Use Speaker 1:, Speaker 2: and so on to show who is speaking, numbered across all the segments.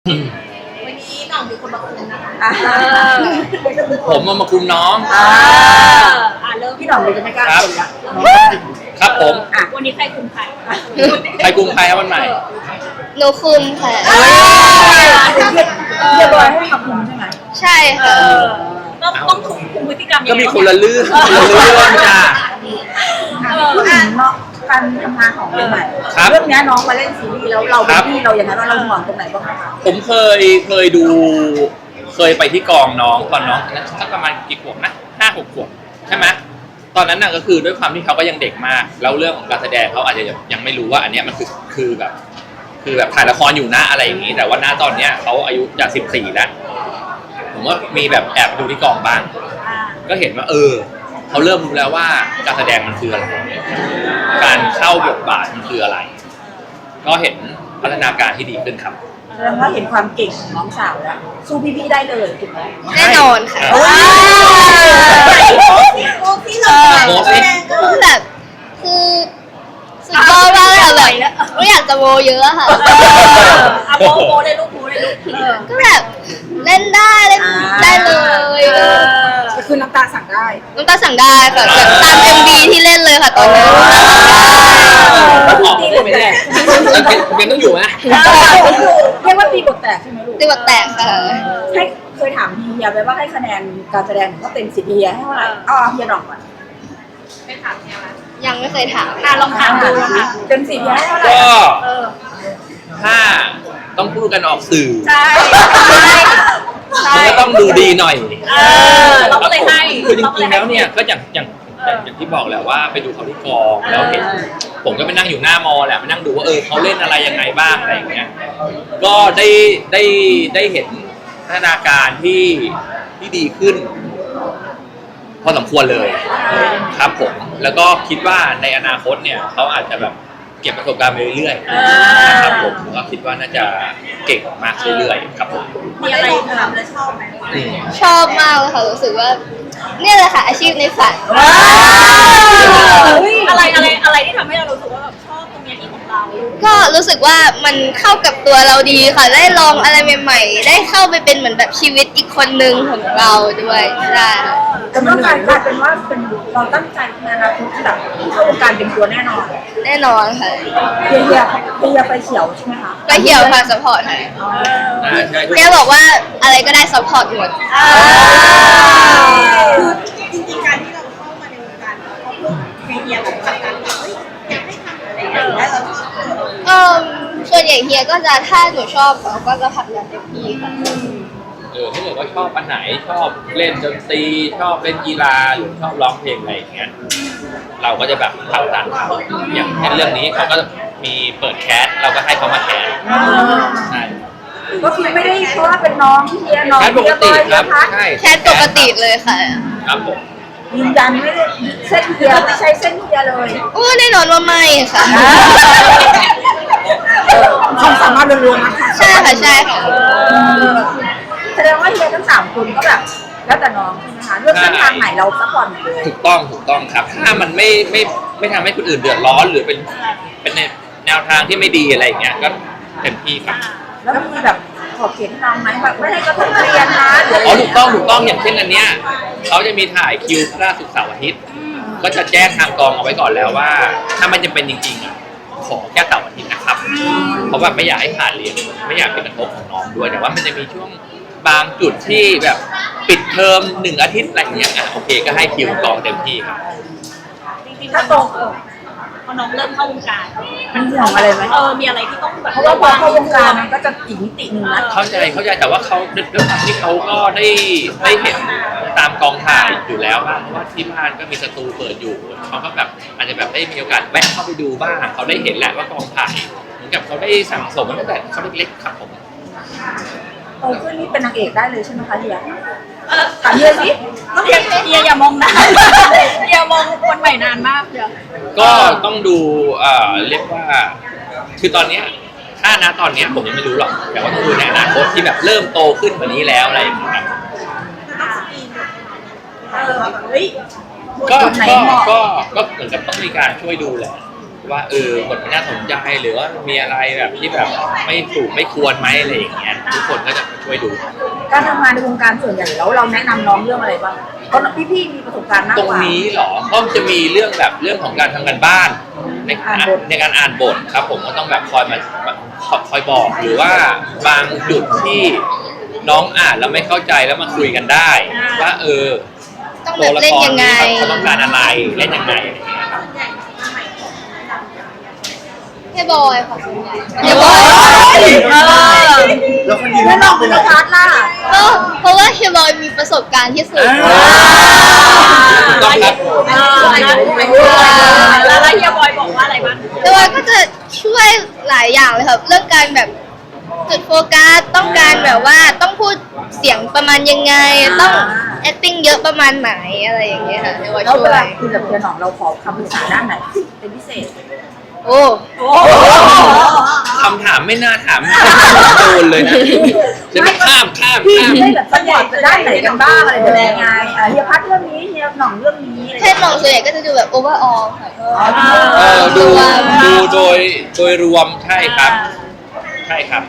Speaker 1: วันนี้น้องมีคนมาคุมนะคะ
Speaker 2: ผมมาคุมน้อง
Speaker 1: เริ่ม
Speaker 3: พี่หน่องเลยจะไม่กล้าคุยละ
Speaker 2: ครับผม
Speaker 1: วันนี้ใครคุมใคร
Speaker 2: ใครคุมใครครับวันใหม่
Speaker 4: หนูคุมค่ะ
Speaker 3: เรียบร้อยให้ขับคุมใช่ไหม
Speaker 4: ใช่ค่ะ
Speaker 1: ต้องคุมพฤติกรรม
Speaker 2: ก็มีคนละเรื่องจ้า
Speaker 3: พูดถึงเนาะการทำงานของใหม่
Speaker 2: ครับ
Speaker 3: เรื่องนี้น้องมาเล่นซีรีส์แล้วเราเป็นพี่เราอย่างนั้นเราห่วงตรงไหนบ้างไหมคะ
Speaker 2: ผมเคยดูเคยไปที่กองน้องตอนน้องนั้นสักประมาณกี่ขวบนะ5-6 ขวบใช่ไหมตอนนั้นน่ะก็คือด้วยความที่เขาก็ยังเด็กมากแล้วเรื่องของการแสดงเขาอาจจะยังไม่รู้ว่าอันเนี้ยมันคือแบบถ่ายละครอยู่นะอะไรอย่างนี้แต่ว่าณตอนเนี้ยเขาอายุจะ14แล้วผมว่ามีแบบแอบดูที่กองบ้างก็เห็นว่าเขาเริ่มรู้แล้วว่าการแสดงมันคืออะไรการเข้าบทบาทมันคืออะไรก็เห็นพัฒนาการที่ดีขึ้นครับ
Speaker 3: แสดงว่าเห็นความเก่งของน้องสาวแล้วสู้พี่ๆได้เลยถูกไหม
Speaker 4: แน่นอนค่ะ
Speaker 1: ที่เรา
Speaker 4: แบบคือสุดยอดมากเลยแบบไม่อยากจะโมเยอะอะค่ะ
Speaker 1: โมได้ลูก
Speaker 4: ก็แบบเล่นได้เล่นได้เลย
Speaker 3: ก็คือน้ำตาสั่งได้
Speaker 4: น้ำตาสั่งได้ค่ะแบบตาม MV ที่เล่นเลยค่ะตอนนั้น
Speaker 3: ตีบทแตก
Speaker 2: ยังต้องอยู่ไหม
Speaker 3: เรียกว่าตีบทแตกใช่ไหมลูก
Speaker 4: ตีบทแตกค่ะ
Speaker 3: ให้เคยถามเฮียไปว่าให้คะแนนการแสดงก็เต็ม10เฮียให้เท่าไหร่เฮียหน่องก่อน
Speaker 1: ไม่ถามเนี่ยนะ
Speaker 4: ยังไม่เคยถาม
Speaker 1: ลองถามดูนะคะ
Speaker 3: เต็ม10เฮียให้เท่าไหร่
Speaker 2: ก็ถ้าต้องพูดกันออกสื่อ
Speaker 1: ใช่
Speaker 2: มันก็ต้องดูดีหน่อย
Speaker 1: เราก็เลยให้
Speaker 2: คือจริงๆแล้วเนี่ยก็อย่างที่บอกแหละว่าไปดูเขาที่กองแล้วเห็นผมก็ไปนั่งอยู่หน้ามอแหละไปนั่งดูว่าเขาเล่นอะไรยังไงบ้างอะไรอย่างเงี้ยก็ได้เห็นพัฒนาการที่ดีขึ้น พอสมควรเลยครับผมแล้วก็คิดว่าในอนาคตเนี่ยเขาอาจจะแบบเก็บประสบการณ์ไปเรื่อยๆนะครับผมก็คิดว่าน่าจะเก่งมากเรื่อยๆครับผม
Speaker 1: มีอะไรทำแล้วชอบไหม
Speaker 4: ชอบมากเลยค่ะรู้สึกว่าเนี่ยแหละค่ะอาชีพในฝัน
Speaker 1: อะไรที่ทำให้เรารู้สึกว่าแบบชอบตรงนี้ที่ของเรา
Speaker 4: ก็รู้สึกว่ามันเข้ากับตัวเราดีค่ะได้ลองอะไรใหม่ๆได้เข้าไปเป็นเหมือนแบบชีวิตอีกคนหนึ่งของเราด้วยใช่
Speaker 3: แต่เมื่อกลายเป็นว่าเป็นเราตั้งใจในอนาคตที่แบบเข้าวงการเป็นตัวแน่นอน
Speaker 4: แน่นอนค่ะ
Speaker 3: เฮียไปเขียวใช่ไหมคะ
Speaker 4: ก็เหี่ยวค่ะสปอร์ตค่ะ
Speaker 2: ใช่
Speaker 4: แกบอกว่าอะไรก็ได้ซัพพอร์ตหมด
Speaker 1: คือจริงๆการที่เราเข้ามาในวงการเพราะเพื่อนไอเดียแบบจากการแบบอยากให้ทำอะไรอย่างเงี้ยแล้วเราชอบ
Speaker 4: ส่วนใหญ่เฮียก็จะถ้าหนูชอบเขาก็จะผลักดันเต็มที่ค่ะ
Speaker 2: ถ้าเกิดว่าชอบอันไหนชอบเล่นดนตรีชอบเล่นกีฬาหรือชอบร้องเพลงอะไรอย่างเงี้ยเราก็จะแบบผลักดันเขาอย่างเช่นเรื่องนี้เขาก็มีเปิดแคสเราก็ให้เขามาแคสใช่
Speaker 3: ก็คือไม่ได้เพราะว่าเป็นน้องเฮียน้อง
Speaker 2: แคสปกติครับ
Speaker 3: พัด
Speaker 2: ใช่
Speaker 4: แค่ปกติเลยค่ะ
Speaker 2: ครับผม
Speaker 3: ยืนยันไม่ได้เส้นเฮียไม่ใช่เส้นเฮียเลย
Speaker 4: โอ้แน่นอนว่าไม่ค่ะ
Speaker 3: ความสามารถล้วนๆนะคะ
Speaker 4: ใช่ค่ะใช่ค่ะ
Speaker 3: แสดงว่าเฮียทั้ง3คนก็แบบแล้วแต่น้องใช่ไหมคะเลือกเส้นทางไหนเราซัพพอร์ตหมดเลย
Speaker 2: ถูกต้องครับถ้ามันไม่ทำให้คนอื่นเดือดร้อนหรือเป็นแนวทางที่ไม่ดีอะไรอย่างเงี้ยก็เต็มที่ครับ
Speaker 3: แล้วมีแบบขอบเขตให้น้องไหมแบบไม่ให้กระทบเรียนนะหรืออะไร
Speaker 2: ถูกต้องอย่างเช่นอันเนี้ยเขาจะมีถ่ายคิวพฤหัสศุกร์เสาร์อาทิตย์ก็จะแจ้งทางกองเอาไว้ก่อนแล้วว่า ถ้ามันจำเป็นจริงๆอ่ะขอแค่เสาร์อาทิตย์นะครับเพราะว่าไม่อยากให้ขาดเรียนไม่อยากเป็นกระทบของน้องด้วยแต่ว่ามันจะมีช่วงบางจุดที่แบบปิดเทอม1 อาทิตย์อะไรอย่างเงี้ยโอเคก็ให้คิวกองเต็มที่ครับ
Speaker 1: จริงๆถ้าตรงพอน้องเริ่มเข้าวงการ
Speaker 3: มันห่วงอะไรไหม
Speaker 1: มีอะไรที่ต้องแบบ
Speaker 3: เพราะว่าพอเข้าวงการมันก็จะอีกมิติหนึ่งนะ
Speaker 2: เข้าใจแต่ว่าเขาด้วยความที่เขาก็ได้เห็นตามกองถ่ายอยู่แล้วบ้างเพราะว่าที่บ้านก็มีสตูเปิดอยู่เขาก็แบบอาจจะแบบได้มีโอกาสแวะเข้าไปดูบ้างเขาได้เห็นแล้วว่ากองถ่ายเหมือนกับเขาได้สั่งสมตั้งแต่เขาเล็กๆครับผม
Speaker 3: โตขึ้นนี่เป็นนางเอกได้เลยใช่ไหมคะเฮียถามเฮียสิ
Speaker 1: ต้องเฮียอย่ามองนานเฮียมองคนใหม่นานมากเดี๋ยว
Speaker 2: ก็ต้องดูเรียกว่าคือตอนเนี้ยถ้านะตอนเนี้ยผมยังไม่รู้หรอกแต่ว่าต้องดูในอนาคตที่แบบเริ่มโตขึ้นกว่านี้แล้วอะไรอย่างเงี้ยครับ
Speaker 1: เฮ้ย
Speaker 2: ก็เหมือนกับต้องมีการช่วยดูแหละว่าบทมันน่าสนใจหรือว่ามีอะไรแบบที่แบบไม่ถูกไม่ควรไหมอะไรอย่างเงี้ยทุกคนก็จะมาช่วยดู
Speaker 3: การทำงานในวงการส่วนใหญ่แล้วเราแนะนำน้องเรื่องอะไรบ้างเพราะพี่ๆมีประสบการณ์มาก
Speaker 2: ตรง
Speaker 3: กว่า
Speaker 2: นี้เหรอก็จะมีเรื่องของการทำการบ้านในการอ่านบทครับผมก็ต้องแบบคอยบอกหรือว่าบางจุดที่น้องอ่านแล้วไม่เข้าใจแล้วมาคุยกันได้ว่า
Speaker 4: ต้อง
Speaker 2: ตั
Speaker 4: แบ
Speaker 2: ว
Speaker 4: บ
Speaker 2: ละ
Speaker 4: เล่น
Speaker 2: คร
Speaker 4: ยังไง
Speaker 2: นี้เขาต้องการอะไรเล่นยังไงอะไรอย่างเงี้ยครับ
Speaker 1: ส่วนใหญ่สมัยก่อนแนะนำอย่างไร
Speaker 4: เฮียบอยค่ะส่วนใหญ่เฮีย
Speaker 3: เฮ้
Speaker 4: บอย
Speaker 5: แล้วคนยืน
Speaker 3: แล้วน้อง
Speaker 5: เป็
Speaker 3: เป็น น
Speaker 5: ไร
Speaker 3: พาร์ทล่ะ
Speaker 4: ก็เพราะว่าเฮียบอยมีประสบการณ์ที่สุด
Speaker 2: ถูกต้องครับ
Speaker 1: แล้วเฮียบอยบอกว่าอะไรบ้าง
Speaker 4: เฮียบอยก็จะช่วยหลายอย่างเลยครับเรื่องการแบบจุดโฟกัสต้องการแบบว่าต้องพูดเสียงประมาณยังไงต้อง acting เยอะประมาณไหนอะไรอย่างเงี้ยค่ะเฮียบอย
Speaker 3: แล้ว
Speaker 4: ช่
Speaker 3: เว
Speaker 4: ว
Speaker 3: ลาย คุยกับเพื่อนน้องเราขอคำปรึกษาด้านไหนเป็นพิเศษ
Speaker 4: โอ้
Speaker 2: คำถามไม่น่าถามโดนเลยนะจะไม่ข้าม
Speaker 3: พี่ได้แบบสปอร์ตไปด้านไหนกันบ้างอะไรแบบยังไงเฮียพัดเรื่องนี้เฮียหน่องเรื่องนี้อะไร
Speaker 4: แค่มองส่วนใหญ่ก็จะดูแบบ overall ค่ะ
Speaker 2: ดูโดยรวมใช่ครับใช่ครับ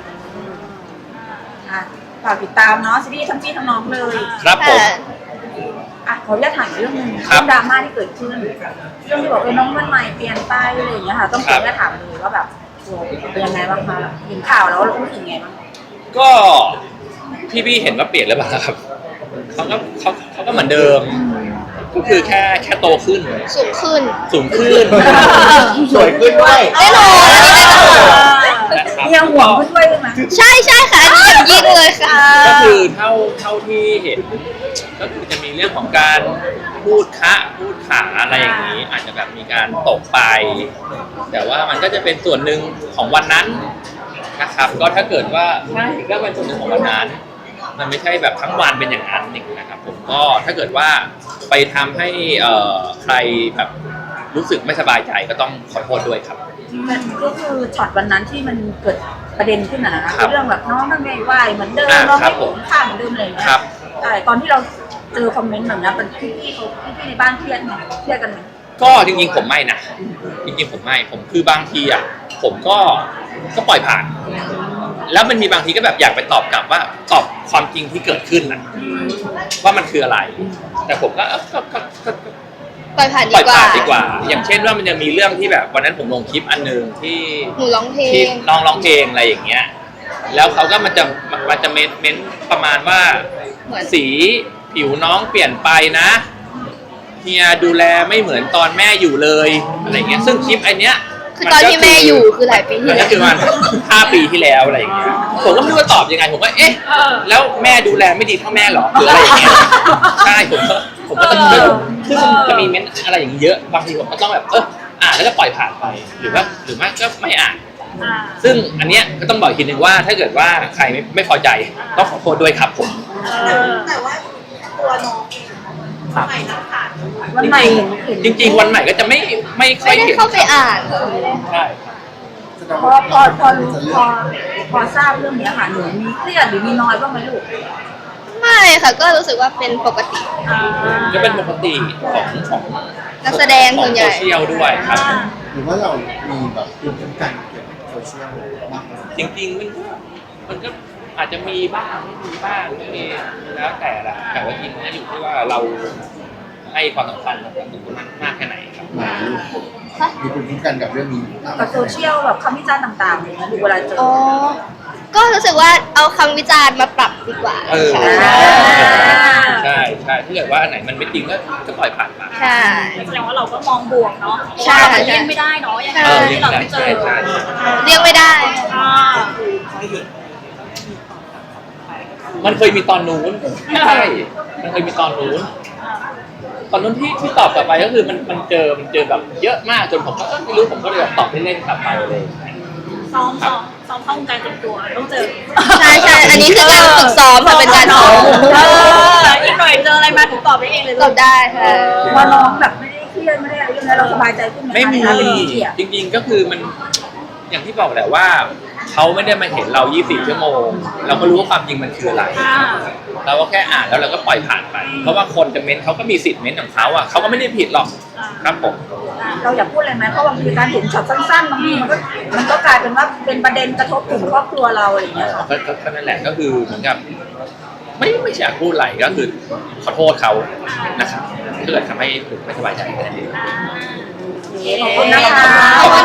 Speaker 3: ฝากติดตามเนาะซีรีส์ทั้งพี่ทั้งน้องเลย
Speaker 2: ครับผม
Speaker 3: ขออนุญาตถามอีกเรื่องหนึง
Speaker 2: ครับ
Speaker 3: เรื่องดราม่าที่เกิดขึ้นเรื่องที่บอกน้องวันใหม่เปลี่ยนไปอะไรอย่างเงี้ยค่ะต้องขออนุญาตถามเลยว่าแบบเป็นยังไงบ้างคะเห็นข่าวแล้วรู้สึกยังไงบ้าง
Speaker 2: ก็พี่เห็นว่าเปลี่ยนหรือเปล่าครับเขาก็เหมือนเดิม ก็คือแค่โตขึ้น
Speaker 4: สูงขึ้น
Speaker 2: สูงขึ้น
Speaker 5: สวยขึ้นด้วย
Speaker 4: แน่นอนอันนี้แน่นอน
Speaker 2: นะครับ
Speaker 3: เฮียห่วงขึ้นด้วยใช่ไหม
Speaker 4: ใช่ค่ะอันนี้อย่างยิ่งเลยค่ะ
Speaker 2: ก็คือเท่าที่เห็นก็คือจะมีเรื่องของการพูดขาอะไรอย่างนี้ อาจจะแบบมีการตกไป แต่ว่ามันก็จะเป็นส่วนหนึ่งของวันนั้นนะครับ ก็ถ้าเกิดว่าใช่ก็เป็นส่วนหนึ่งของวันนั้น มันไม่ใช่แบบทั้งวันเป็นอย่างนั้นนะครับผมก็ถ้าเกิดว่าไปทำให้ใครแบบรู้สึกไม่สบายใจก็ต้องขอโทษด้วยครับ
Speaker 3: ก็คือช็อตวันนั้นที่มันเกิดประเด็นขึ้นนะ
Speaker 2: ครับ
Speaker 3: เรื่องแบบน้องทำไมไหวเหมือนเดิม
Speaker 2: อ่า
Speaker 3: น้อง
Speaker 2: ครั
Speaker 3: ไม่
Speaker 2: บผม
Speaker 3: ข้ามเหมือนเดิมอะไรอย่างเงี้ย
Speaker 2: ครับ
Speaker 3: ใช่ตอนที่เราเจอคอมเมนต์แบบนั้นเป็นพี่ในบ้านเครียดไหมเครียดกันไหม
Speaker 2: ก็จริงๆผมไม่นะจริงๆผมไม่ผมคือบางทีอ่ะผมก็ปล่อยผ่าน แล้วมันมีบางทีก็แบบอยากไปตอบกลับว่าตอบความจริงที่เกิดขึ้นนะว่ามันคืออะไร แต่ผมก็ก็
Speaker 4: ปล่อยผ่าน
Speaker 2: ปล่
Speaker 4: ดี
Speaker 2: อย
Speaker 4: กว่า
Speaker 2: ผ่านดีกว่า อย่างเช่นว่ามันจะมีเรื่องที่แบบวันนั้นผมลงคลิปอันหนึงที่
Speaker 4: หนูร้องเพล
Speaker 2: ที่
Speaker 4: ง
Speaker 2: น้องร้องเพลงอะไรอย่างเงี้ย แล้วเขาก็มันจะเม้นประมาณว่า
Speaker 4: เหมือน
Speaker 2: สีผิวน้องเปลี่ยนไปนะเฮียดูแลไม่เหมือนตอนแม่อยู่เลยอะไรเงี้ยซึ่งคลิปไอเนี้ย
Speaker 4: คือตอนที่แม่อยู่คือหลายปีที่
Speaker 2: มัน
Speaker 4: แล้
Speaker 2: ก็
Speaker 4: ว
Speaker 2: คือมัน5 ปีที่แล้วอะไรอย่างเงี้ยผมก็ไม่รู้จะตอบยังไงผมก็เอ๊ะแล้วแม่ดูแลไม่ดีเท่าแม่หรอหรืออะไรอย่างเงี้ยใช่ผมก็ต้องซึ่งจะมีเม้นอะไรอย่างเงี้ยเยอะบางทีผมก็ต้องแบบอ่านแล้วก็ปล่อยผ่านไปหรือไม่ก็ไม่อ่าน ซึ่งอันเนี้ยก็ต้องบอกอีกทีนึงว่าถ้าเกิดว่าใครไม่พอใจต้องขอโทษด้วยครับผม
Speaker 1: แต่ว่าตัวน้องเองสมัยนักข่าว
Speaker 3: วันใหม่เห็น
Speaker 2: จริงๆวันใหม่ก็จะไม่ค่อ
Speaker 4: ไม่
Speaker 2: ย
Speaker 4: ได้
Speaker 2: เห็น
Speaker 4: เข้าไปอ่าน
Speaker 2: ใช่
Speaker 3: พอทราบเรื่องนี้ค่ะหนูมีเครียดหรือมีน้อยบ้างไหมลูก
Speaker 4: ไม่ค่ะก็รู้สึกว่าเป็นปกติ
Speaker 2: ก็เป็นปกติของ
Speaker 4: นักแสดง
Speaker 2: ขอ
Speaker 4: ส่
Speaker 2: ง
Speaker 4: วนให
Speaker 2: โซ
Speaker 4: ญ่
Speaker 2: เชียลด้วยครับ
Speaker 5: หรือว่าเรามีแบบภูมิคุ้มกันเกี่ยวกับโซเชียลมากกว่า
Speaker 2: จริงๆมันก็อาจจะมีบ้างไม่มีบ้างไม่มีแล้วแต่ละแต่ว่าจริงๆนะอยู่ที่ว่าเราให้ความสำคัญกับตรงนั้นมากแค่ไหนครับ
Speaker 5: มีภูมิคุ้มกันกับเรื่องนี้มาก
Speaker 3: กับโซเชียลแบบคำวิจารณ์ต่างๆอย่างเงี้ยดูเวลาเจอ
Speaker 4: อ๋อ ก็รู้สึกว่าเอาคำวิจารณ์มาปรับดีกว่า
Speaker 2: ใช่
Speaker 4: ค่ะ
Speaker 2: ใช่ถ้าเกิดว่าอันไหนมันไม่จริงก็ปล่อยผ่านไป
Speaker 4: ใช่
Speaker 1: แสดงว่าเราก็มองบวกเนาะ
Speaker 4: ใช่
Speaker 1: เลี่ยงไม่ได้เนาะยังไง
Speaker 2: เรีย
Speaker 1: ที่
Speaker 2: ก
Speaker 1: เรา
Speaker 2: ได้
Speaker 1: ไม่เจ
Speaker 2: ใช่
Speaker 1: อ
Speaker 2: ใช่
Speaker 4: เรียกไม่ได้
Speaker 2: มันเคยมีตอนนู้นใช่มันเคยมีตอนนู้นที่ตอบกลับไปก็คือมันเจอแบบเยอะมากจนผมก็ไม่รู้ผมก็เลยแบบตอบเล่นๆกลับไปเลย
Speaker 1: ซ้อมเข้าวงการเต็มตัวต้องเจอ
Speaker 4: ใช่ใช่อันนี้คือการฝึกซ้อมค่ะเป็นการซ้อม
Speaker 1: อีกหน่อยเจออะไรมาถูกตอบได้เองเลย
Speaker 4: ตอบได้ค่ะ
Speaker 3: ว่าน้องแบบไม่ได้เครียดไม่ได้อะไรเรื่องนี้เราสบายใจขึ้นไหม
Speaker 2: ไม่มี
Speaker 3: คะเป็นเกียรติ
Speaker 2: จริงๆก็คือมันอย่างที่บอกแหละว่าเขาไม่ได้มาเห็นเรา 24 ชั่วโมง เราก็รู้ว่าความจริงมันคืออะไร เราก็แค่อ่านแล้วเราก็ปล่อยผ่านไป เพราะว่าคนจะเม้นเขาก็มีสิทธิ์เม้นของเขาอ่ะเขาก็ไม่ได้ผิดหรอกครับผม
Speaker 1: แ
Speaker 3: เราอยากพูดอะไรไหมเพราะบางทีการเห็นช็อตสั้นๆบางทีมันก็กลายเป็นว่าเป็นประเด็นกระทบถึงครอบครัวเราอะไรอย่างเงี้ยค่ะ
Speaker 2: ก็นั่นแหละก็คือเหมือนกับไม่อยากพูดอะไรก็คือขอโทษเขานะครับถ้าเกิดทำให้ผมไม่สบายใจแค่นั้นเอง
Speaker 3: ขอบคุณนะคะ
Speaker 2: ขอบคุณ